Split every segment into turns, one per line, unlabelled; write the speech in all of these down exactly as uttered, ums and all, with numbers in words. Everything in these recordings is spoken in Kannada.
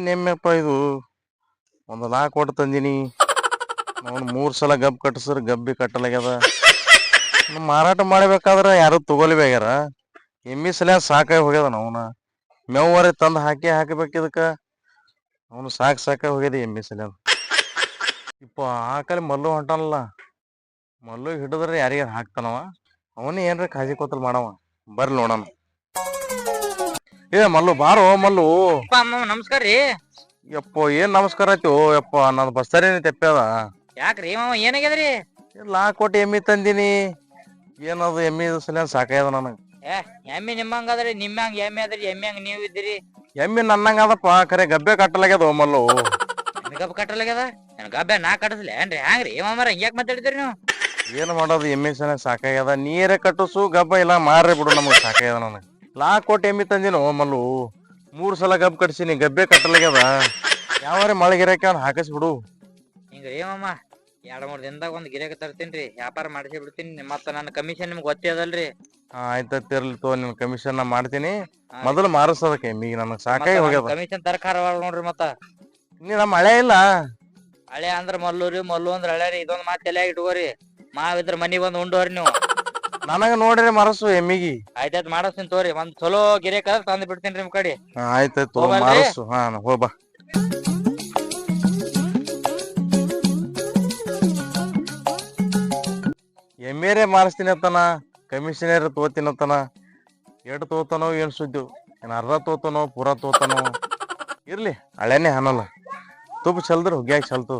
ಏನ್ ಎಮ್ಮೆಪ್ಪ ಇದು? ಒಂದು ಲಾಕ್ ಕೊಟ್ಟು ತಂದಿನಿ. ಅವ್ನು ಮೂರ್ ಸಲ ಗಬ್ ಕಟ್ಟಿಸ್ರ ಗಬ್ಬಿ ಕಟ್ಟಲಾಗ್ಯದ. ಮಾರಾಟ ಮಾಡಬೇಕಾದ್ರ ಯಾರು ತಗೊಲಿಬ್ಯಾಗ್ಯಾರ. ಎಮ್ಮಿ ಸಲ ಸಾಕಾಗಿ ಹೋಗ್ಯದ ಅವನ ಮೇವರೆ ತಂದು ಹಾಕಿ ಹಾಕಬೇಕಿದಕ್ಕ. ಅವನು ಸಾಕ್ ಸಾಕಾಗಿ ಹೋಗ್ಯದ ಎಮ್ಮಿ ಸಲ. ಇಪ್ಪ ಆಕಲಿ ಮಲ್ಲು ಹೊಂಟಾನಲ್ಲ, ಮಲ್ಲು ಹಿಡಿದ್ರೆ ಯಾರಿಗಾರ ಹಾಕ್ತಾನವ. ಅವನೇ ಏನ್ರ ಕಾಜಿ ಕೋತಲ್ ಮಾಡವ. ಬರ್ಲಿ ನೋಡಣ. ಏ ಮಲ್ಲು ಬಾರೋ ಮಲ್ಲು.
ನಮಸ್ಕಾರ ರೀ.
ಯಪ್ಪ ಏನ್ ನಮಸ್ಕಾರ ಆಯ್ತು ಯಪ್ಪ, ನನ್ ಬಸ್ತಾರೇನಿ ತೆಪ್ಪದ.
ಯಾಕ್ರಿ ಮಾವ ಏನಾಗ್ಯದ್ರಿ?
ಲಾ ಕೊಟ್ಟು ಎಮ್ಮಿ ತಂದಿನಿ. ಏನದು ಎಮ್ಮಿ ಸಲ ಸಾಕಾಯ್ದ ನನಗ.
ಏ ಎಮ್ಮಿ ನಿಮ್ಮಂಗದ್ರಿ, ನಿಮ್ಮಂಗ ಎಮ್ಮಿ ಅದ್ರಿ, ಎಮ್ಮಿ ಹಂಗ ನೀವ್ ಇದ್ರಿ.
ಎಮ್ಮಿ ನನ್ನಂಗ ಅದಪ್ಪ, ಖರೆ ಗಬ್ಬೆ ಕಟ್ಟಲಾಗ್ಯದ ಮಲ್ಲು.
ಗಬ್ಬ ಕಟ್ಟಲಾಗ್ಯದ? ನನ್ ಗಬ್ಬೆ ನಾ ಕಟ್ಟಸ್ಲಿ ಏನ್ರಿ? ಹ್ಯಾಂಗ್ರಿ ಮಾಮಾರ ಹಿಂಗ್ಯಾಕ್ ಮಾತಾಡಿದ್ರಿ ನೀವು?
ಏನ್ ಮಾಡೋದು, ಎಮ್ಮಿ ಸಲ ಸಾಕಾಗ್ಯದ. ನೀರೇ ಕಟ್ಟಿಸು ಗಬ್ಬ ಇಲ್ಲ ಮಾರೇ ಬಿಡು, ನಮಗ್ ಸಾಕಾಗ್ಯದ ನನಗ. ಲಾ ಕೊಟ್ಟು ಎಮ್ಮಿ ತಂದಿನ ಮಲ್ಲು. ಮೂರ್ ಸಲ ಗಬ್ಬ ಕಟ್ಸಿನಿ, ಗಬ್ಬೆ ಕಟ್ಟಲಾಗ್ಯದ. ಯಾವಾರ ಮಳೆಗಿರಕ್ಕೆ ಅವ್ನು ಹಾಕಿಸ್ಬಿಡು.
ಹಿಂಗ್ರಿ ಮಾಮ, ಎರಡ್ ಮೂರ್ ದಿನದಾಗ ಒಂದ್ ಗಿರಾಕಿ ತರ್ತೀನ್ರಿ, ವ್ಯಾಪಾರ ಮಾಡಿಸಿ ಬಿಡ್ತೀನಿ. ಮತ್ತ ನನ್ನ ಕಮಿಷನ್ ನಿಮ್ಗೆ ಗೊತ್ತೇ ಅದಲ್ರಿ.
ಹಾ ಆಯ್ತತ್ ಇರ್ಲಿ ತೋ, ನಿನ್ ಕಮಿಷನ್ ನಾ ಮಾಡ್ತೀನಿ. ಮೊದಲು ಮಾರಸದಕ್ಕೆ ಎಮ್ಮಿಗೆ ನನಗ್ ಸಾಕಾಗಿ ಹೋಗ್ಯದ.
ಕಮಿಷನ್ ತರಕಾರ ನೋಡ್ರಿ. ಮತ್ತ
ನೀ ನಮ್ಮ ಮಳೆ ಇಲ್ಲ.
ಹಳೆ ಅಂದ್ರ ಮಲ್ಲೂರಿ, ಮಲ್ಲು ಅಂದ್ರ ಹಳೆ. ಇದೊಂದ್ ಮಾತ್ ತಲೆಯಾಗ ಇಟ್ಕೋರಿ. ಮಾವಿದ್ರ ಮನಿ ಬಂದ್ ಉಂಡೋರಿ ನೀವು.
ನನಗ ನೋಡ್ರಿ ಮರಸು ಎಮ್ಮಿಗಿ.
ಆಯ್ತಾಯ್ತು ಮಾಡಸ್ತೀನಿ ತೋರಿ. ಒಂದ್ ಚಲೋ ಗಿರಾಕ ತಂದ್ ಬಿಡ್ತೀನಿ ನಿಮ್ ಕಡೆ.
ಆಯ್ತಾಯ್ತು ಮಾರಸು. ಹಾ ಹೋಗ್ಬಾ. ಎಮ್ಮೆರೇ ಮಾರಿಸ್ತೀನಿ ಅತ್ತನ, ಕಮಿಷನರ್ ತೋತಿನತ್ತನ. ಎಟ್ ತೋತಾನೋ ಏನ್ ಸುದ್ದಿ, ಏನ್ ಅರ್ಧ ತೋತಾನೋ ಪೂರಾ ತೋತಾನೋ. ಇರ್ಲಿ ಹಳೆನೆ ಅನ್ನಲ್ಲ, ತುಪ್ಪ ಚಲ್ದ್ರ ಹುಗ್ಯಾಗ ಚಲ್ತು.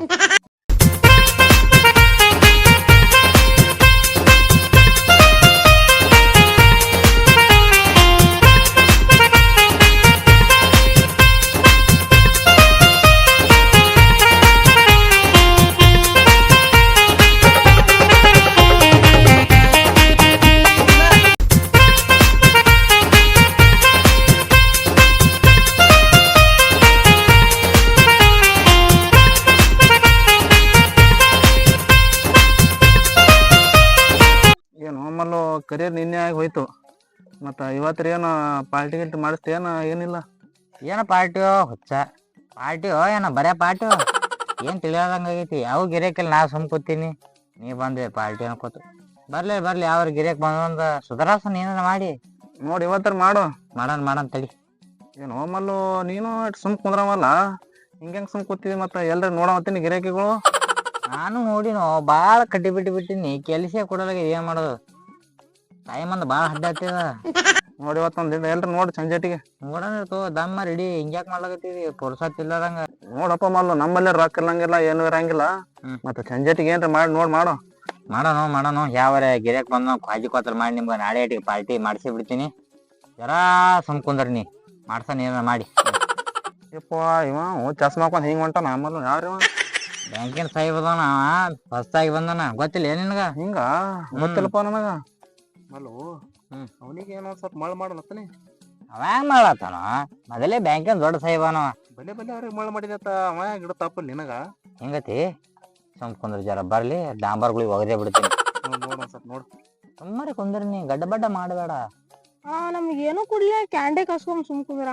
ಕರಿಯರ್ ನಿನ್ನೆ ಆಗಿ ಹೋಯ್ತು. ಮತ್ತ ಇವತ್ತರ ಏನು ಪಾರ್ಟಿ ಗಿಲ್ಟಿ ಮಾಡಿಸ್ತೇನ? ಏನಿಲ್ಲ.
ಏನ ಪಾರ್ಟಿಯೋ ಹುಚ್ಚ ಪಾರ್ಟಿಯೋ ಏನ ಬರೇ ಪಾರ್ಟಿಯೋ ಏನ್ ತಿಳಿಯೋದಂಗ ಆಗೈತಿ. ಯಾವ ಗಿರೇಕಲ್ಲಿ ನಾ ಸುಮ್ ಕೂತೀನಿ, ನೀ ಬಂದೆ ಪಾರ್ಟಿ ಅನ್ಕೋತ. ಬರ್ಲಿ ಬರ್ಲಿ, ಯಾವ ಗಿರೇಕ್ ಬಂದ ಸುಧಾರಾಸನ ಏನಾರ ಮಾಡಿ
ನೋಡಿ ಇವತ್ತರ ಮಾಡು.
ಮಾಡನ್ ಮಾಡನ್ ತಡಿ.
ಏನು ಮಲ್ಲು ನೀನು ಸುಮ್ ಕುಂದ್ರವಲ್ಲ, ಹಿಂಗ್ಯಾಂಗ ಸುಮ್ ಕೂತಿದಿ? ಮತ್ತ ಎಲ್ರ ನೋಡವತ್ತೀನಿ ಗಿರಾಕಿಗಳು.
ನಾನು ನೋಡಿನೋ ಬಾಳ ಕಟ್ಟಿ ಬಿಟ್ಟು ಬಿಟ್ಟಿನಿ, ಕೆಲ್ಸ ಕೊಡಲಾಗ. ಏನ್ ಮಾಡೋದು, ಟೈಮ್ ಅಂದ್ ಬಾಳ ಹಡ್ಡ ಆಗ್ತದ.
ನೋಡಿ ಇವತ್ತೊಂದ್ ಎಲ್ರ ನೋಡಿ ಸಂಜೆಟಿಗೆ
ನೋಡೋಣ ತೋ ದಮ್ಮ ರೆಡಿ. ಹಿಂಗ್ಯಾಕ್ ಮಾಡ್ಲಾಗತ್ತೀವಿ ಪುರ್ಸತ್ ಇಲ್ಲದಂಗ.
ನೋಡಪ್ಪ ಮಲ್ಲು, ನಮ್ಮಲ್ಲೇ ರೊಕ್ಕ ಇರಂಗಿಲ್ಲ ಏನು ಇರಂಗಿಲ್ಲ. ಮತ್ತ ಸಂಜೆಟಿಗೆ ಏನ್ರ ಮಾಡಿ ನೋಡ್ ಮಾಡು.
ಮಾಡೋಣ ಮಾಡೋಣ. ಯಾವರ ಗಿರಾಕ್ ಬಂದ ಕಾಜಿ ಕೋತಲ್ ಮಾಡಿ ನಿಮ್ಗೆ ನಾಳೆ ಇಟ್ಟಿಗೆ ಪಾರ್ಟಿ ಮಾಡಿಸಿ ಬಿಡ್ತೀನಿ. ಜರಾ ಸುಮ್ ಕುಂದ್ರಿ, ನೀ ಮಾಡ್ಸಾನ ಏನಾರ ಮಾಡಿ.
ಯಪ್ಪ ಇವ ಚಸ್ಮಾ ಹಾಕೊಂಡ್ ಹಿಂಗ್ ಹೊಂಟಾನ ಮಲ್ಲು. ಯಾರು
ಬ್ಯಾಂಕಿನ ಸಾಹೇಬ್ ಅದಾನ, ಹೊಸ್ತಾಗಿ ಬಂದಾನ. ಗೊತ್ತಿಲ್ಲ ಏನ್ ನಿನಗ?
ಹಿಂಗ ಗೊತ್ತಿಲ್ಲಪ್ಪ ನನಗ. ಮಲ್ಲು ಹ್ಮ್ ಅವನಿಗೆ ಏನೋ ಸ್ವಲ್ಪ ಮಳ್ ಮಾಡಲತ್ತನಿ.
ಅವ ಹೆಂಗ್ ಮಾಡ್ಲತ್ತಾನ? ಮೊದಲೇ ಬ್ಯಾಂಕಿನ ದೊಡ್ಡ ಸಾಹೇಬನವ.
ಬಲೆ ಬಲೆ ಅವ್ರಿಗೆ ಮಳ್ ಮಾಡಿದತ್ತ. ಅವ ಗಿಡ ತಪ್ಪಲ್ ನಿನಗ.
ಹೆಂಗತಿ ಸುಮ್ ಕುಂದ್ರ, ಜರ ಬರ್ಲಿ ಡಾಂಬರ್ಗಳಿಗೆ ಒಗದೇ ಬಿಡ್ತೀನಿ.
ನೋಡ್ ಸ್ವಲ್ಪ ನೋಡು.
ಸುಮ್ಮನೆ ಕುಂದ್ರಿ, ನೀ ಗಡ್ಡ ಬಡ್ಡ ಮಾಡಬೇಡ.
ಹಾ ನಮ್ಗೆ ಏನು ಕುಡಿಯ ಕ್ಯಾಂಡೆ ಕಸ್ಕೊಂಡ್ ಸುಮ್ ಕುಂದ್ರ.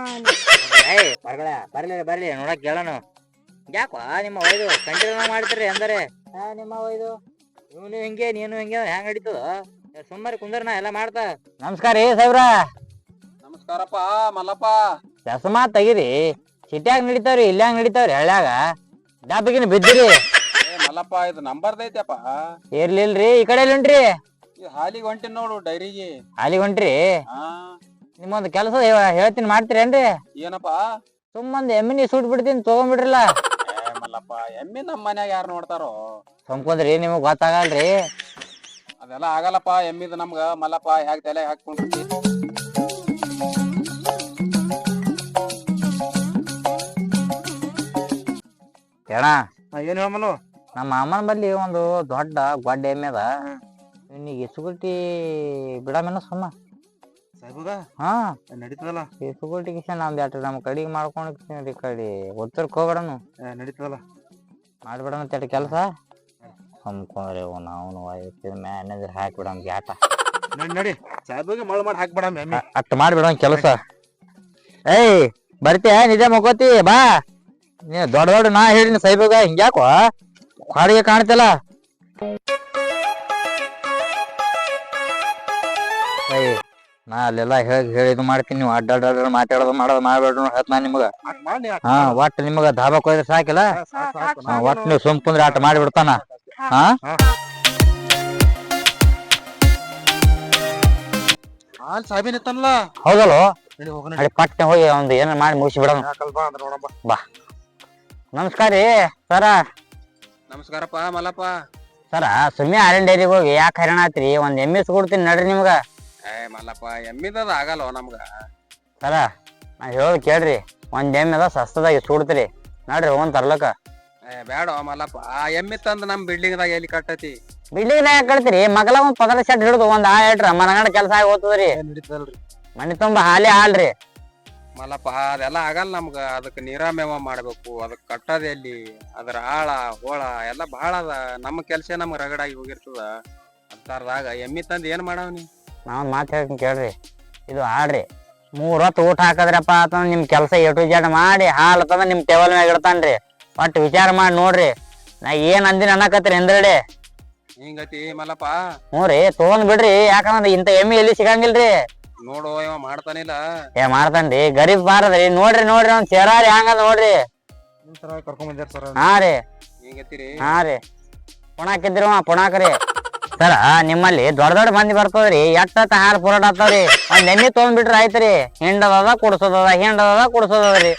ಬರ್ಗಳ ಬರ್ಲಿ ಬರ್ಲಿ ನೋಡಕ್ ಕೇಳೋಣ. ಯಾಕೋ ನಿಮ್ಮ ಒಯ್ದು ಕಂಟಿನ್ಯೂ ಮಾಡ್ತೀರಿ ಅಂದರೆ ನಿಮ್ಮ ಒಯ್ದು ಇವನು ಹಿಂಗೆ ನೀನು ಹಿಂಗೆ ಹೆಂಗ್ ನಡೀತದ? ಸುಮ್ಮನೆ ಕುಂದ್ರ, ನಾ ಎಲ್ಲ ಮಾಡ್ತಾ. ನಮಸ್ಕಾರ ರೀ ಸಾಹೇಬ್ರ.
ನಮಸ್ಕಾರಪ್ಪ ಮಲ್ಲಪ್ಪ.
ಚಸ್ಮಾ ತೆಗಿರಿ, ಸಿಟ್ಯಾಗ ನಡಿತಾವ್ರಿ ಇಲ್ಯಾಂಗ ನಡಿತಾವ್ರಿ ಹಳ್ಳ್ಯಾಗ? ಡಾಬಿಗಿನ ಬಿದ್ದಿರಿ
ಮಲ್ಲಪ್ಪ. ಇದು ನಂಬರ್ದ ಐತಪ್ಪ.
ಇರ್ಲಿಲ್ರಿ, ಈ ಕಡೆ ಉಂಟ್ರಿ.
ಹಾಲಿಗೆ ಹೊಂಟಿನ್ ನೋಡು, ಡೈರಿಗೆ.
ಹಾಲಿಗೆ ಹೊಂಟ್ರಿ? ನಿಮ್ಮೊಂದ್ ಕೆಲಸ ಹೇಳ್ತೀನಿ, ಮಾಡ್ತೀರೇನ್ರಿ?
ಏನಪ್ಪಾ?
ಸುಮ್ಮಂದ್ ಎಮ್ಮಿನಿ ಸೂಟ್ ಬಿಡ್ತೀನಿ, ತಗೊಂಡ್ಬಿಡ್ರಲ್ಲ.
ಮಲ್ಲಪ್ಪ ಎಮ್ಮಿ ನಮ್ ಮನ್ಯಾಗ ಯಾರು ನೋಡ್ತಾರೋ?
ಸುಮ್ಕೊಂದ್ರಿ, ನಿಮಗ್ ಗೊತ್ತಾಗಲ್ರಿ.
ಅದೆಲ್ಲ ಆಗಲ್ಲಪ್ಪ. ಎಮ್ಮಿದ ನಮ್ಗ ಮಲ್ಲಪ್ಪ ಹೇಗ್ ತಲೆ ಹಾಕೊಂಡ್ರಿ.
ಕೇಳ
ಏನ್ ಹೇಳಮಲು?
ನಮ್ಮ ಮಾಮನ ಬಲ್ಲಿ ಒಂದು ದೊಡ್ಡ ಗೊಡ್ಡ ಎಮ್ಮೆ ಅದ. ಇವನಿಗೆ ಇಸುಗುಟಿ ಬಿಡಮೇನ ಸುಮ್ಮ
ಸಾಹೇಬಗ?
ಹಾ
ನಡೀತದಲ್ಲ.
ಇಸುಗುಟಿ ಕಿಶನ್ ಒಂದ್ ಎರಡು ನಮ್ಮ ಕಡೆಗೆ ಮಾಡ್ಕೊಂಡ್ ಈ ಕಡೆ ಉತ್ತರಕ್ಕೆ ಹೋಗ್ಬಿಡನು.
ನಡೀತದಲ್ಲ,
ಮಾಡ್ಬಿಡಣ ತಡಿ ಕೆಲಸ. ಸುಮ್ಕೊಂಡ್ರಿ ನಾವು ಮ್ಯಾನೇಜರ್ ಹಾಕ್ಬಿಡ ಆಟ.
ನಡಿ ನಡಿ ಸಾಹೇಬಗೆ ಮಳ್ ಮಾಡಿ ಹಾಕ್ಬೇಡ ಎಮ್ಮೆ.
ಅಟ್ ಮಾಡ್ಬಿಡ ಕೆಲಸ. ಏಯ್ ಬರ್ತೀಯ? ನಿಜ ಮಗೋತಿ ಬಾ. ನೀ ದೊಡ್ಡ ದೊಡ್ಡ ನಾ ಹೇಳಿನಿ ಸೈಬಾಗ ಹಿಂಗ್ಯಾಕೋ ಹಾಡಿಗೆ ಕಾಣ್ತಿಲ್ಲ ಏಯ್ ನಾ ಅಲ್ಲೆಲ್ಲ ಹೇಳಿ ಹೇಳಿ ಇದು ಮಾಡ್ತೀನಿ ನೀವು ಅಡ್ಡ ಅಡ್ಡ ಮಾತಾಡೋದು ಮಾಡೋದು ಮಾಡ್ಬೇಡ್ರಿ ಹತ್ ನಾ ನಿಮಗ ಹಾ ಒಟ್ಟು ನಿಮಗ ಧಾಬಾಕ್ ಹೋದ್ರೆ ಸಾಕಿಲ್ಲ ಹಾ ಒಟ್ಟು ನೀವು ಸುಮ್ ಕುಂದ್ರೆ ಆಟ ಮಾಡಿಬಿಡ್ತಾನ ಹಾ
ಹಾಲ್ ಸಾಹೇಬನ್ ಇತ್ತಲ್ಲ
ಹೌದಲ್ವ
ನಡಿ ಹೋಗೋಣ
ಅಡಿ ಪಟ್ನೆ ಹೋಗಿ ಒಂದು ಏನಾರ ಮಾಡಿ ಮುಗಿಸಿ ಬಿಡೋಣ
ಬಾ ಅಂದ್ರೆ ನೋಡಪ್ಪ
ಬಾ ನಮಸ್ಕಾರ ರೀ ಸರ
ನಮಸ್ಕಾರಪ್ಪ ಮಲ್ಲಪ್ಪ
ಸರ ಸುಮ್ಮನೆ ಆರನ್ ಡೈರಿಗೆ ಹೋಗಿ ಯಾಕೆ ಹೈರಾಣ ಆತ್ರಿ ಒಂದ್ ಎಮ್ಮೆ ಕೊಡ್ತೀನಿ ನಡ್ರಿ ನಿಮ್ಗ
ಏ ಮಲ್ಲಪ್ಪ ಎಮ್ಮಿದದ ಆಗಲ್ವ ನಮ್ಗ
ಸರ ನಾ ಹೇಳೋದು ಕೇಳ್ರಿ ಒಂದ್ ಎಮ್ಮೆ ಅದ ಸಸ್ತದಾಗ ಸುಡ್ತೀರಿ ನಡ್ರಿ ಹೋಗನ್ ತರ್ಲಕ
ಏ ಬೇಡ ಮಲ್ಲಪ್ಪ ಆ ಎಮ್ಮಿ ತಂದ್ ನಮ್ ಬಿಲ್ಡಿಂಗ್ ದಾಗ ಎಲ್ಲಿ ಕಟ್ಟತಿ
ಬಿಲ್ಡಿಂಗ್ ನಾಗ ಕಳ್ತೀರಿ ಮಗಲ ಒಂದ್ ಪದರ ಶೆಡ್ ಹಿಡಿದು ಒಂದ್ ಆ ಹೇಳ್ರ ಮನಗಂಡ ಕೆಲಸ ಆಗಿ ಹೋಗ್ತದ್ರಿ
ನಡೀತದಲ್ರಿ
ಮನಿ ತುಂಬಾ ಹಾಲಿ ಹಾಲ್ರಿ
ಮಲ್ಲಪ್ಪ ಅದೆಲ್ಲ ಆಗಲ್ಲ ನಮ್ಗ ಅದಕ್ ನೀರಾಮೇವ ಮಾಡ್ಬೇಕು ಅದಕ್ ಕಟ್ಟದ ಎಲ್ಲಿ ಅದ್ರ ಆಳ ಹೋಳ ಎಲ್ಲ ಬಹಳ ಅದ ನಮ್ಮ ಕೆಲ್ಸ ನಮ್ಗ್ ರಗಡಾಗಿ ಹೋಗಿರ್ತದ ಅಂತಾರದಾಗ ಎಮ್ಮಿ ತಂದ್ ಏನ್ ಮಾಡವ್ನಿ
ನಾವ್ ಮಾತು ಹೇಳ್ತೀನಿ ಕೇಳ್ರಿ ಇದು ಆಡ್ರಿ ಮೂರ್ ಹೊತ್ತು ಊಟ ಹಾಕದ್ರಪ್ಪ ಅಂತಂದ್ರ ನಿಮ್ ಕೆಲಸ ಎಟು ಜಡ್ ಮಾಡಿ ಹಾಲು ತಂದ ನಿಮ್ ಟೇಬಲ್ ಮ್ಯಾಗ ಇಡ್ತಾನ್ರಿ ಒಟ್ಟು ವಿಚಾರ ಮಾಡಿ ನೋಡ್ರಿ ನಾ ಏನ್ ಅಂದಿನ ಅನ್ನಕತ್ರಿ ಹಿಂದ್ರಡೆ
ಹಿಂಗತಿ ಮಲ್ಲಪ್ಪ
ಹ್ಞೂ ರೀ ತಗೊಂಡ್ ಬಿಡ್ರಿ ಯಾಕಂದ್ರ ಇಂತ ಎಮ್ಮಿ ಎಲ್ಲಿ ಸಿಗಂಗಿಲ್ರಿ
ನೋಡು ಇವ ಮಾಡ್ತಾನಿಲ್ಲ
ಏ ಮಾಡ್ತಾನ್ರಿ ಗರೀಬ್ ಬಾರದ್ರಿ ನೋಡ್ರಿ ನೋಡ್ರಿ ಒಂದ್ ಸೇರಾರಿ ಹಂಗದ ನೋಡ್ರಿ
ಕರ್ಕೊಂಡ್ ಬಂದ್ಯಾರ ಸರ್
ಹಾ ರೀ
ಹಿಂಗತಿರಿ
ಹಾ ರೀ ಪುಣಾಕಿದ್ರಿ ಪುಣಾಕ್ರಿ ಸರ ನಿಮ್ಮಲ್ಲಿ ದೊಡ್ಡ ದೊಡ್ಡ ಮಂದಿ ಬರ್ತದ್ರಿ ಎಟ್ಟ ಹಾಲು ಪುರಾಟ ಆಗ್ತಾವ್ರಿ ಒಂದ್ ಎಣ್ಣೆ ತೊಗೊಂಡ್ಬಿಟ್ರಿ ಆಯ್ತ್ರಿ ಹಿಂಡದ ಕುಡ್ಸೋದದ ಹಿಂಡದ ಕುಡ್ಸೋದದ್ರಿ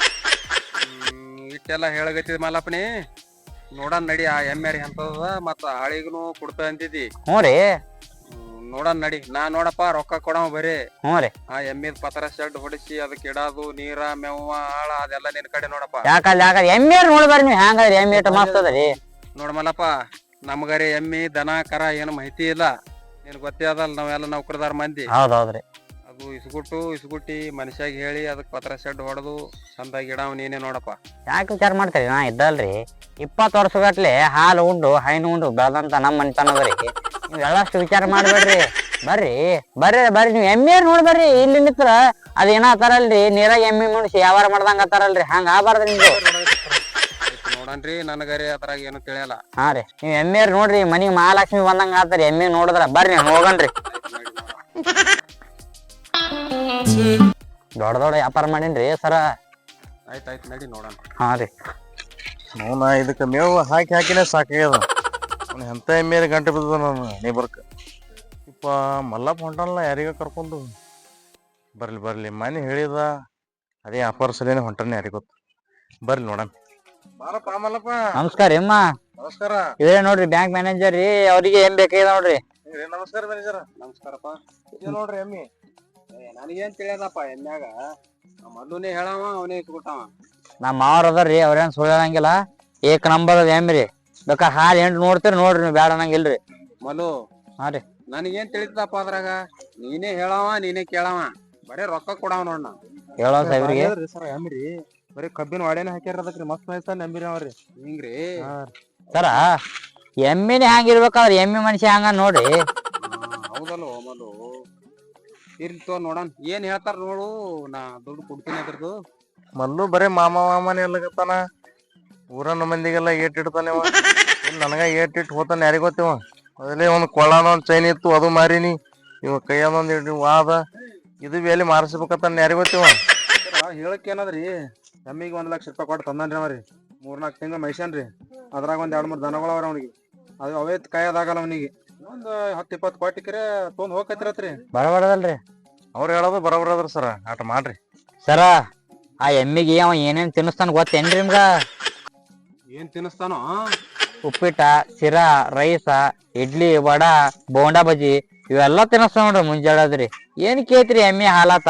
ಇಟ್ಟೆಲ್ಲ ಹೇಳಗತ್ತಿದ ಮಲ್ಲಪ್ಪನಿ ನೋಡನ್ ನಡಿ ಆ ಎಮ್ಮೆರಿ ಅಂತದ ಮತ್ತ ಆಳಿಗೂ ಕೊಡ್ತ ಅಂತಿದಿ
ಹ್ಞೂ ರೀ
ನೋಡನ್ ನಡಿ ನಾ ನೋಡಪ್ಪ ರೊಕ್ಕ ಕೊಡವ ಬರೀ
ಹ್ಞೂ ರೀ
ಆ ಎಮ್ಮಿದ್ ಪತ್ರ ಶೆಡ್ ಹೊಡಿಸಿ ಅದಕ್ಕೆ ಇಡೋದು ನೀರ ಮೇವ ಆಳ ಅದೆಲ್ಲ ನಿನ್ ಕಡೆ ನೋಡಪ್ಪ
ಯಾಕಲ್ಲ ಯಾಕಲ್ಲ ಎಮ್ಮೆ ನೋಡ್ಬಾರಿ ನೀವು ಹ್ಯಾಂಗದ್ರಿ ಎಮ್ಮೆ ಇಟ್ಟು ಮಸ್ತ್ ಅದರಿ
ನೋಡ ಮಲ್ಲಪ್ಪ ನಮ್ಗರಿ ಎಮ್ಮಿ ದನ ಕರ ಏನು ಮಾಹಿತಿ ಇಲ್ಲ ನಿನ್ ಗೊತ್ತೇ ಅದಲ್ಲ ನಾವೆಲ್ಲ ನೌಕರದಾರ ಮಂದಿ
ಹೌದೌದ್ರಿ
ಅದು ಇಸ್ಗುಟ್ಟು ಇಸ್ಗುಟ್ಟಿ ಮನುಷ್ಯಾಗ ಹೇಳಿ ಅದಕ್ ಪತ್ರ ಶೆಡ್ ಹೊಡೆದು ಚಂದಾಗಿ ಇಡಾವ್ ನೀನೇ ನೋಡಪ್ಪ
ಯಾಕೆ ವಿಚಾರ ಮಾಡ್ತೀರಿ ನಾ ಇದ್ದಲ್ರಿ ಇಪ್ಪತ್ತು ವರ್ಷಗಟ್ಲೆ ಹಾಲು ಉಂಡು ಹೈನು ಉಂಡು ಬೆಳೆದಂತ ನಮ್ಮ ಮನಿತನದ್ರಿ ನೀವ್ ಎಲ್ಲಷ್ಟು ವಿಚಾರ ಮಾಡ್ಬೇಡ್ರಿ ಬರ್ರಿ ಬರ್ರಿ ಬರ್ರಿ ನೀವ್ ಎಮ್ಮೆ ನೋಡ್ಬರ್ರಿ ಇಲ್ಲಿ ನಿತ್ರ ಅದ್ ಏನ ಅತ್ತಾರಲ್ರಿ ನೀರಾಗ ಎಮ್ಮಿ ಮುಣಿಸಿ ವ್ಯವಹಾರ ಮಾಡ್ದಂಗ ಅತ್ತಾರಲ್ರಿ ಹಂಗ ಆಗ್ಬಾರ್ದ್ರಿ ನಿಮ್ದು
ನೋಡನ್ರಿ ನನಗರಿ ಅದ್ರಾಗ ಏನು ತಿಳಿಯಲ್ಲ
ಹಾ ರೀ ನೀವ್ ಎಮ್ಮೆ ನೋಡ್ರಿ ಮನಿಗ್ ಮಹಾಲಕ್ಷ್ಮಿ ಬಂದಂಗ ಆತಾರಿ ಎಮ್ಮೆ ನೋಡಿದ್ರ ಬರ್ರಿ ಹೋಗನ್ರಿ ದೊಡ್ಡ ದೊಡ್ಡ ವ್ಯಾಪಾರ ಮಾಡೀನ್ರಿ ಸರ
ಆಯ್ತಾಯ್ತು ನಡಿ ನೋಡೋಣ
ಹಾ ರೀ
ನೋನ ಇದಕ್ಕೆ ಮೇವು ಹಾಕಿ ಹಾಕಿನೇ ಸಾಕಾಗ್ಯದ ಅವ್ನು ಎಂತ ಎಮ್ಮೆರಿ ಗಂಟೆ ಬಿದ್ದದ ನಾನು ನೇಬರ್ಕ ಇಪ್ಪ ಮಲ್ಲಪ್ಪ ಹೊಂಟಲ್ಲ ಯಾರಿಗ ಕರ್ಕೊಂಡು ಬರ್ಲಿ ಬರ್ಲಿ ಮನೆ ಹೇಳಿದ ಅದೇ ವ್ಯಾಪಾರ ಸಲೇನೆ ಹೊಂಟನೆ ಯಾರಿಗೆ ಗೊತ್ತು ಬರ್ಲಿ ನೋಡಣ ಬಾರಪ್ಪ ಮಲ್ಲಪ್ಪ
ನಮಸ್ಕಾರ ಅಮ್ಮ
ನಮಸ್ಕಾರ
ಇದೇ ನೋಡ್ರಿ ಬ್ಯಾಂಕ್ ಮ್ಯಾನೇಜರ್ ರೀ ಅವ್ರಿಗೆ ಏನ್ ಬೇಕಾಗಿದೆ ನೋಡ್ರಿ
ನಮಸ್ಕಾರ ಮ್ಯಾನೇಜರ್
ನಮಸ್ಕಾರಪ್ಪ
ಇದು ನೋಡ್ರಿ ಎಮ್ಮಿ
ನನಗೇನ್ ತಿಳಿಯದಪ್ಪ ಎಮ್ಯಾಗ ಮಲ್ಲುನೇ ಹೇಳವ ಅವನೇ ಇಟ್ಬಿಟ್ಟವ
ನಮ್ಮ ಮಾವ್ರ ಅದಾರ್ರಿ ಅವ್ರೇನ್ ಸುಳ್ಳು ಹೇಳಂಗಿಲ್ಲ ಏಕ್ ನಂಬರ್ ಅದ ಎಮ್ರಿ ಬೇಕಾ ಹಾಲು ಎಂಟು ನೋಡ್ತೀರಿ ನೋಡ್ರಿ ನೀವು ಬ್ಯಾಡ ಅನ್ನಂಗಿಲ್ರಿ
ಮಲ್ಲು
ಹಾ ರೀ
ನನಗೇನ್ ತಿಳಿತಪ್ಪ ಅದ್ರಾಗ ನೀನೇ ಹೇಳವ ನೀನೇ ಕೇಳವ ಬರೇ ರೊಕ್ಕ ಕೊಡವ ನೋಡ್ ನಾ
ಹೇಳೋ ಸಾಹೇಬ್ರಿಗೆ
ಸರ್ ಎಮ್ರಿ ಬರೀ ಕಬ್ಬಿನ ವಾಡೇನ ಹಾಕ್ಯಾರ ಅದಕ್ರಿ ಮಸ್ತ್ ಮಸ್ತ್ ನಂಬಿರಿ ಅವ್ರಿ ಹಿಂಗ್ರಿ
ಸರ ಎಮ್ಮಿನೇ ಹ್ಯಾಂಗಿರ್ಬೇಕಾದ್ರೆ ಎಮ್ಮಿ ಮನುಷ್ಯ ಹಂಗ ನೋಡ್ರಿ
ಹೌದಲ್ವ ಮಲ್ಲು ಇರ್ಲಿ ತೋ ನೋಡನ್ ಏನ್ ಹೇಳ್ತಾರ ನೋಡು ನಾ ದುಡ್ಡು ಕೊಡ್ತೀನಿ ಅದ್ರದ್ದು
ಮಲ್ಲು ಬರೇ ಮಾಮ ಮಾಮನೇ ಎಲ್ಲಗತ್ತಾನ ಊರನ್ನ ಮಂದಿಗೆಲ್ಲ ಏಟ್ ಇಡ್ತಾನೆ ಅವ ಇಲ್ಲಿ ನನಗ ಏಟ್ ಇಟ್ಟು ಹೋತಾನೆ ಯಾರಿಗೆ ಗೊತ್ತಿವ ಅದೇ ಒಂದು ಕೊಳ್ಳನ ಒಂದು ಚೈನ್ ಇತ್ತು ಅದು ಮಾರಿನಿ ಇವ ಕೈಯದೊಂದು ವಾದ ಇದು ಬೇಲಿ ಮಾರಿಸ್ಬೇಕತ್ತಾನ ಯಾರಿಗೆ ಗೊತ್ತಿವ
ಹೇಳಕ್ ಏನದ್ರಿ ಎಮ್ಮಿಗೆ ಒಂದ್ ಲಕ್ಷ ರೂಪಾಯಿ ಕೊಟ್ಟು ತಂದನ್ರಿ ಅವ್ರಿ ಮೂರ್ನಾಲ್ಕು ತಿಂಗಳು ಮೈಸನ್ರಿ ಅದ್ರಾಗ ಒಂದ್ ಎರಡ್ ಮೂರ್ ದನಗಳು ಅವ್ರ ಅವನಿಗೆ ಅದು ಅವೇ ಕಾಯದಾಗಲ್ಲ ಅವನಿಗೆ ಒಂದ್ ಹತ್ತು ಇಪ್ಪತ್ತು ಕೊಟ್ಟಿಕ್ರೆ ತೊಗೊಂಡ್ ಹೋಗಕತ್ತಿರತ್ರಿ
ಬರಬಾರದಲ್ರಿ
ಅವ್ರು ಹೇಳೋದು ಬರೋಬರದ್ರಿ ಸರ ಆಟ ಮಾಡ್ರಿ
ಸರ ಆ ಎಮ್ಮಿಗೆ ಅವ ಏನೇನ್ ತಿನ್ನಿಸ್ತಾನ ಗೊತ್ತೇನ್ರಿ ನಿಮ್ಗ
ಏನ್ ತಿನ್ನಿಸ್ತಾನೋ
ಉಪ್ಪಿಟ ಸಿರಾ ರೈಸ ಇಡ್ಲಿ ವಡ ಬೋಂಡಾ ಬಜ್ಜಿ ಇವೆಲ್ಲ ತಿನ್ನಿಸ್ತಾನ ನೋಡ್ರಿ ಮುಂಜಾಳದ್ರಿ ಏನ್ ಕೇಳ್ತ್ರಿ ಎಮ್ಮಿ ಹಾಲಾತ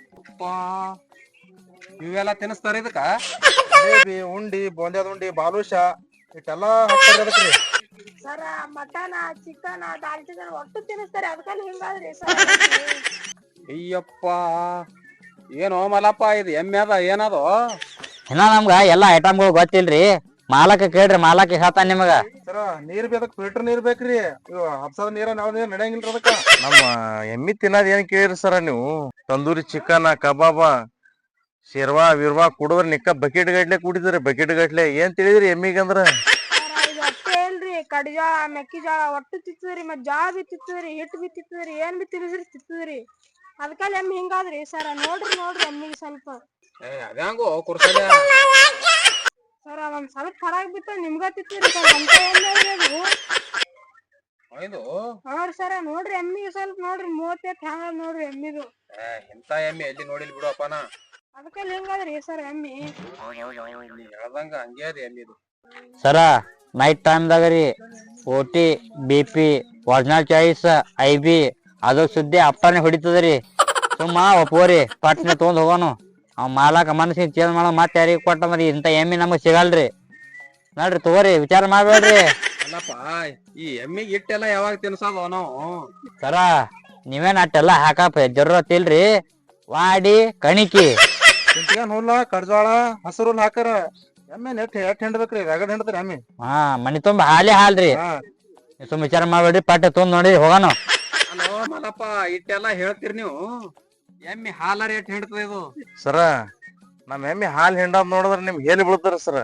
ಇವೆಲ್ಲ ತಿನ್ನಿಸ್ತಾರ ಇದಕ್ಕ
ಜಿಲೇಬಿ ಉಂಡಿ ಬೋಂದ್ಯಾದ ಉಂಡಿ ಬಾಲೂಷ ಇಟ್ಟೆಲ್ಲಾ ಹಾಕ್ತಾರ ಅದಕ್ರಿ
ಸರ ಮಟನ್ ಚಿಕನ್ ದಾಲ್ಚಿನ್ನಿ ಒಟ್ಟು ತಿನ್ನಿಸ್ತಾರೆ ಅದಕ್ಕಲ್ಲಿ ಹಿಂಗಾದ್ರಿ
ಅಯ್ಯಪ್ಪ ಏನೋ ಮಲಪ್ಪ ಇದು ಎಮ್ಮೆ ಅದ ಏನದು
ಇನ್ನ ನಮ್ಗ ಎಲ್ಲಾ ಐಟಮ್ಗಳು ಗೊತ್ತಿಲ್ರಿ ಮಾಲಕ ಕೇಳ್ರಿ ಮಾಲಕ ಹೇಳ್ತಾನ ನಿಮಗ
ಸರ ನೀರ್ ಬೇಕ ಫಿಲ್ಟರ್ ನೀರ್ ಬೇಕ್ರಿ ಹಬ್ಸದ ನೀರ ನಾವ್ ನೀರ್ ನಡೆಯಂಗಿಲ್ರಿ ಅದಕ್ಕ
ನಮ್ಮ ಎಮ್ಮಿ ತಿನ್ನೋದ್ ಏನ್ ಕೇಳಿರಿ ಸರ ನೀವು ತಂದೂರಿ ಚಿಕನ್ ಕಬಾಬ ಶಿರ್ವಾ ವಿರ್ವಾ ಕುಡಿದ್ರ ನಿಕ್ಕ ಬಕೆಟ್ ಗಟ್ಲೆ ಕುಡಿದ್ರಿ ಬಕೆಟ್ ಗಟ್ಲೆ ಏನ್ ತಿಳಿದ್ರಿ ಎಮ್ಮಿಗಂದ್ರ
ಸರ ಇದು ಅಷ್ಟೇ ಇಲ್ರಿ ಕಡಿಜಾಳ ಮೆಕ್ಕಿಜಾಳ ಒಟ್ಟು ತಿತ್ತದ್ರಿ ಮತ್ ಜೋಳ ಬಿ ತಿತ್ತದ್ರಿ ಹಿಟ್ಟು ಬಿ ತಿತ್ತದ್ರಿ ಏನ್ ಬಿ ತಿಳಿದ್ರಿ ತಿತ್ತದ್ರಿ ಅದಕ್ಕಲ್ಲಿ ಎಮ್ಮಿ ಹಿಂಗಾದ್ರಿ ಸರ ನೋಡ್ರಿ ನೋಡ್ರಿ ಎಮ್ಮಿಗೆ ಸ್ವಲ್ಪ
ಏ ಅದ್ಯಾಂಗೋ ಕುರ್ಸದ
ಸರ ಒಂದ್ ಸ್ವಲ್ಪ ಹೊರಗ್ ಬಿತ್ತ ನಿಮ್ಗ ತಿತ್ತದ್ರಿ ಸರ್ ಅಂತ ಎಮ್ಮೆ ಅಲ್ರಿ ಅದು
ಇದು
ನೋಡ್ರಿ ಸರ ನೋಡ್ರಿ ಎಮ್ಮಿಗೆ ಸ್ವಲ್ಪ ನೋಡ್ರಿ ಮೂವತ್ತೈತ್ ಹ್ಯಾಂಗ ನೋಡ್ರಿ ಎಮ್ಮಿದು
ಏ ಇಂತ ಎಮ್ಮಿ ಎಲ್ಲಿ ನೋಡಿಲ್ ಬಿಡುವಪ್ಪನ
ಅದಕ್ಕಲ್ಲಿ ಹಿಂಗಾದ್ರಿ ಸರ್ ಎಮ್ಮಿ
ನೀ ಹೇಳ್ದಂಗ ಹಂಗೆ ಅದ ಎಮ್ಮಿದು
ಸರ ನೈಟ್ ಟೈಮ್ದಾಗ ರೀ O T B P original choice I B ಅದು ಸುದ್ದಿ ಅಪ್ಪನೇ ಹೊಡಿತದ್ರಿ ಸುಮ್ಮ ಒಪ್ಪೋರಿ ಪಟ್ನೆ ತೊಗೊಂಡ್ ಹೋಗೋನು ಅವ್ ಮಾಲಕ ಮನಸ್ಸಿಗೆ ಚೇಂಜ್ ಮಾಡೋ ಮತ್ತೆ ಯಾರಿಗೆ ಕೊಟ್ಟಂದ್ರಿ ಇಂಥ ಎಮ್ಮಿ ನಮಗ್ ಸಿಗಲ್ರಿ ನೋಡ್ರಿ ತಗೋರಿ ವಿಚಾರ ಮಾಡ್ಬೇಡ್ರಿ
ಅಲ್ಲಪ್ಪ ಈ ಎಮ್ಮಿಗೆ ಇಟ್ಟೆಲ್ಲ ಯಾವಾಗ ತಿನ್ಸೋದು ನಾವು
ಸರ ನೀವೇನ್ ಅಟ್ಟೆಲ್ಲ ಹಾಕಪ್ಪ ಜರೂರತ್ ಇಲ್ರಿ ವಾಡಿ ಕಣಿಕಿ
ಇಂತಿಗೇನ್ ಹುಲ್ಲ ಕಡ್ಜಾಳ ಹಸರು ಹುಲ್ ಹಾಕಾರ ಎಮ್ಮೆ ನೆಟ್ ಎಟ್ ಹಿಂಡ್ಬೇಕ್ರಿ ರಗಡ್ ಹಿಂಡ್ತಾರ ಎಮ್ಮಿ
ಹಾ ಮನಿ ತುಂಬ ಹಾಲಿ ಹಾಲ್ರಿ ನೀವ್ ಸುಮ್ ವಿಚಾರ ಮಾಡ್ಬೇಡ್ರಿ ಪಟ್ಟೆ ತೊಗೊಂಡ್ ನೋಡಿ ಹೋಗೋನು
ಅಲೋ ಮಲ್ಲಪ್ಪ ಇಟ್ಟೆಲ್ಲ ಹೇಳ್ತೀರಿ ನೀವು ಎಮ್ಮಿ ಹಾಲ ರೇಟ್ ಹಿಡ್ತದ ಇದು
ಸರ ನಮ್ ಎಮ್ಮಿ ಹಾಲ್ ಹಿಂಡದ್ ನೋಡಿದ್ರ ನಿಮ್ಗೆ ಹೇಳಿ ಬೀಳ್ತಾರ ಸರ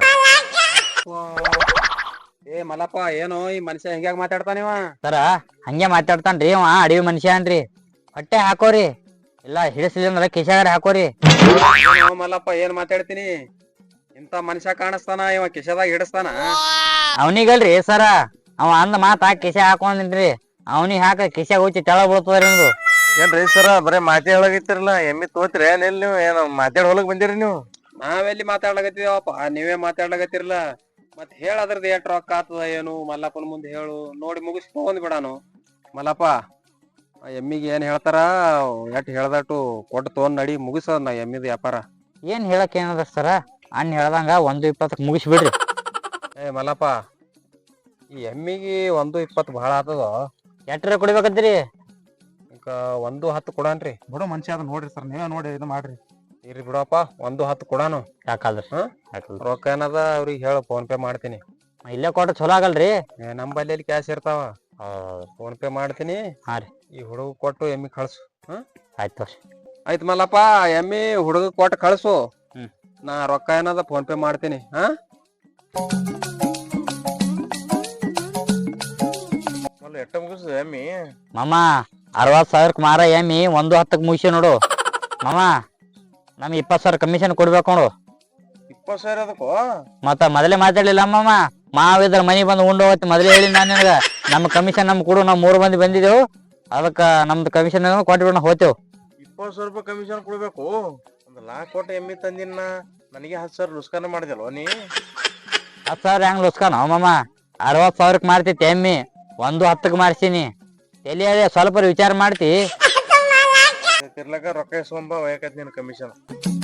ಏ ಮಲ್ಲಪ್ಪ ಏನೋ ಈ ಮನುಷ್ಯ ಹೆಂಗ್ಯಾಗ ಮಾತಾಡ್ತಾನಿವ
ಸರ ಹಂಗೆ ಮಾತಾಡ್ತಾನ್ರಿ ಅವ ಅಡವಿ ಮನುಷ್ಯ ಅನ್ರಿ ಹೊಟ್ಟೆ ಹಾಕೋರಿ ಇಲ್ಲ ಹಿಡಿಸಿದ್ರ ಕಿಶಾಗಾರ ಹಾಕೋರಿ
ಏನೋ ಮಲ್ಲಪ್ಪ ಏನ್ ಮಾತಾಡ್ತೀನಿ ಇಂತ ಮನುಷ್ಯ ಕಾಣಿಸ್ತಾನ ಇವ ಕಿಶದಾಗ ಹಿಡಿಸ್ತಾನ
ಅವನಿಗಲ್ರಿ ಸರ ಅವ ಅಂದ ಮಾತ ಕಿಶ ಹಾಕೊಂಡಿನ್ರಿ ಅವನಿಗೆ ಹಾಕ ಕಿಶ ಹೋಗಿ ತೆಳ ಬೀಳ್ತದ್ರಿ ನಿಮ್ದು
ಏನ್ರಿ ಸರ ಬರೇ ಮಾತೇ ಹೇಳಾಗೈತಿರಲ್ಲ ಎಮ್ಮಿ ತೋತ್ರಿ ಏನ್ ಎಲ್ಲಿ ನೀವು ಏನ್ ಮಾತಾಡ್ ಹೊಲಕ್ ಬಂದಿರಿ ನೀವು
ನಾವೆಲ್ಲಿ ಮಾತಾಡ್ಲಾಗತ್ತಿದವಪ್ಪ ನೀವೇ ಮಾತಾಡ್ಲಾಗತ್ತಿರಲ್ಲ ಮತ್ ಹೇಳ ಅದ್ರದ್ದು ಎಷ್ಟ್ ರೊಕ್ಕ ಆತದ ಏನು ಮಲ್ಲಪ್ಪನ ಮುಂದೆ ಹೇಳು ನೋಡಿ ಮುಗಿಸ್ ತಗೊಂಡ್ ಬಿಡಾನು ಮಲ್ಲಪ್ಪ ಆ ಎಮ್ಮಿಗೆ ಏನ್ ಹೇಳ್ತಾರ ಎಷ್ಟ್ ಹೇಳ್ದಟ್ಟು ಕೊಟ್ಟು ತಗೊಂಡ್ ನಡಿ ಮುಗಿಸೋದ್ ನಾ ಎಮ್ಮಿದ ವ್ಯಾಪಾರ
ಏನ್ ಹೇಳಕ್ ಏನದ ಸರ ಅಣ್ಣ ಹೇಳ್ದಂಗ ಒಂದು ಇಪ್ಪತ್ತಕ್ ಮುಗಿಸ್ ಬಿಡ್ರಿ
ಏ ಮಲ್ಲಪ್ಪ ಈ ಎಮ್ಮಿಗೆ ಒಂದು ಇಪ್ಪತ್ತು ಬಹಳ ಆತದ
ಎಟ್ರ ಕುಡಿಬೇಕತ್ರಿ
ಈಗ ಒಂದು ಹತ್ತು ಕೊಡಾನ್ರಿ
ಬಿಡು ಮನುಷ್ಯ ಅದ ನೋಡ್ರಿ ಸರ್ ನೀವೇ ನೋಡಿ ಇದು ಮಾಡ್ರಿ
ಇರ್ರಿ ಬಿಡಪ್ಪ ಒಂದು ಹತ್ತು ಕೊಡಾನು
ಯಾಕಲ್ರಿ
ಹಾ? ರೊಕ್ಕ ಏನದ ಅವ್ರಿಗೆ ಹೇಳ ಫೋನ್ ಪೇ ಮಾಡ್ತೀನಿ
ಇಲ್ಲೇ ಕೊಟ್ಟ ಚಲೋ ಆಗಲ್ರಿ
ಏ ನಮ್ ಬಲ್ಲಿ ಕ್ಯಾಶ್ ಇರ್ತಾವ ಫೋನ್ ಪೇ ಮಾಡ್ತೀನಿ
ಹಾ ರೀ
ಈ ಹುಡುಗ ಕೊಟ್ಟು ಎಮ್ಮಿ ಕಳ್ಸು ಹಾ
ಆಯ್ತು ತೋರಿ
ಆಯ್ತು ಮಲ್ಲಪ್ಪ ಎಮ್ಮಿ ಹುಡುಗ ಕೊಟ್ಟು ಕಳ್ಸು
ಹ್ಮ್.
ನಾ ರೊಕ್ಕ ಏನದ ಫೋನ್ ಪೇ ಮಾಡ್ತೀನಿ ಹಾ
ಎಟ್ಟ ಮುಗಿಸ್ ಎಮ್ಮಿ
ಮಾಮ ಅರವತ್ ಸಾವಿರಕ್ ಮಾರ ಎಮ್ಮಿ ಒಂದು ಹತ್ತಕ್ ಮುಗಿಸಿ ನೋಡು ಮಾಮ ನಮ್ ಇಪ್ಪತ್ ಸಾವಿರ ಕಮಿಷನ್ ಕೊಡ್ಬೇಕು ನೋಡು
ಇಪ್ಪತ್ ಸಾವಿರ ಅದಕ್ಕೋ
ಮತ್ತ ಮೊದಲೇ ಮಾತಾಡ್ಲಿಲ್ಲ ಮಾಮ ಮಾವಿದ್ರ ಮನಿ ಬಂದು ಉಂಡು ಹೋಗ್ತಿ ಮೊದಲೇ ಹೇಳಿ ನಾನು ನಿನಗ ನಮ್ ಕಮಿಷನ್ ನಮ್ ಕೊಡು ನಾವ್ ಮೂರ್ ಮಂದಿ ಬಂದಿದ್ದೇವು ಅದಕ್ಕ ನಮ್ದು ಕಮಿಷನ್ ಕೊಟ್ಬಿಡ ಹೋತೇವ್
ಇಪ್ಪತ್ ಸಾವಿರ ರೂಪಾಯಿ ಕಮಿಷನ್ ಕೊಡ್ಬೇಕು ಒಂದ್ ಲಾಕ್ ಕೊಟ್ಟು ಎಮ್ಮಿ ತಂದಿನ ನನಗೆ ಹತ್ತು ಸಾವಿರ ಲುಸ್ಕಾನ ಮಾಡಿದಲ್ವ ನೀ
ಹತ್ ಸಾವಿರ ಹೆಂಗ್ ಲುಸ್ಕಾನ ಮಾಮ ಅರವತ್ ಸಾವಿರಕ್ ಮಾರ್ತಿತ್ತು ಎಮ್ಮಿ ಒಂದು ಹತ್ತಕ್ ಮಾರ್ಸಿನಿ ಎಲ್ಲಿ ಹೇಳಿ ಸ್ವಲ್ಪ ವಿಚಾರ ಮಾಡ್ತಿ
ತಿರ್ಲಕ ರೊಕ್ಕ ಇಸ್ಕೊಂಬ ಒಯ್ಯಕತ್ ನಿನ್ ಕಮಿಷನ್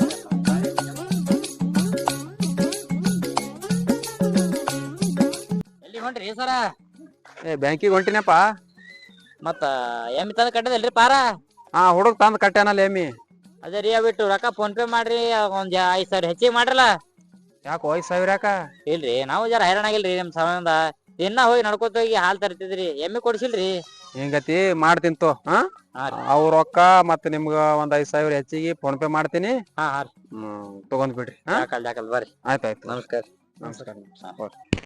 ಎಲ್ಲಿ ಹೊಂಟ್ರಿ ಸರ
ಏ ಬ್ಯಾಂಕಿಗೆ ಹೊಂಟಿನಪ್ಪ
ಮತ್ತ ಎಮ್ಮಿ ತಂದ್ ಕಟ್ಟದಲ್ರಿ ಪಾರ
ಹಾ ಹುಡುಗ ತಂದ್ ಕಟ್ಟ್ಯಾನಲ್ಲ ಎಮ್ಮಿ
ಅದೇ ರೀ ಬಿಟ್ಟು ರೊಕ್ಕ ಫೋನ್ ಪೇ ಮಾಡ್ರಿ ಒಂದ್ ಐದ್ ಸಾವಿರ ಹೆಚ್ಚಿಗೆ ಮಾಡ್ರಲ್ಲ
ಯಾಕೋ ಐದ್ ಸಾವಿರ ಯಾಕ
ಇಲ್ರಿ ನಾವು ಜರ ಹೈರಾಣ ಆಗಿಲ್ರಿ ನಿಮ್ ಸಮಯದಿಂದ ದಿನ ಹೋಗಿ ನಡ್ಕೋತ ಹೋಗಿ ಹಾಲ್ ತರ್ತಿದ್ರಿ ಎಮ್ಮಿ ಕೊಡ್ಸಿಲ್ರಿ
ಹಿಂಗತಿ ಮಾಡ್ತಿಂತು ಹಾ
ಹಾ ರೀ.
ಅವ್ ರೊಕ್ಕ ಮತ್ ನಿಮ್ಗ ಒಂದ್ ಐದ್ ಸಾವಿರ ಹೆಚ್ಚಿಗೆ ಫೋನ್ ಪೇ ಮಾಡ್ತೀನಿ
ಹಾ ಹಾ ರೀ
ಹ್ಮ್ ತಗೊಂಡ್ ಬಿಡ್ರಿ ಹಾ
ಯಾಕಲ್ ಯಾಕಲ್ ಬರ್ರಿ
ಆಯ್ತಾಯ್ತು
ನಮಸ್ಕಾರ
ನಮಸ್ಕಾರ
ಹಾ.
ಓಕೆ.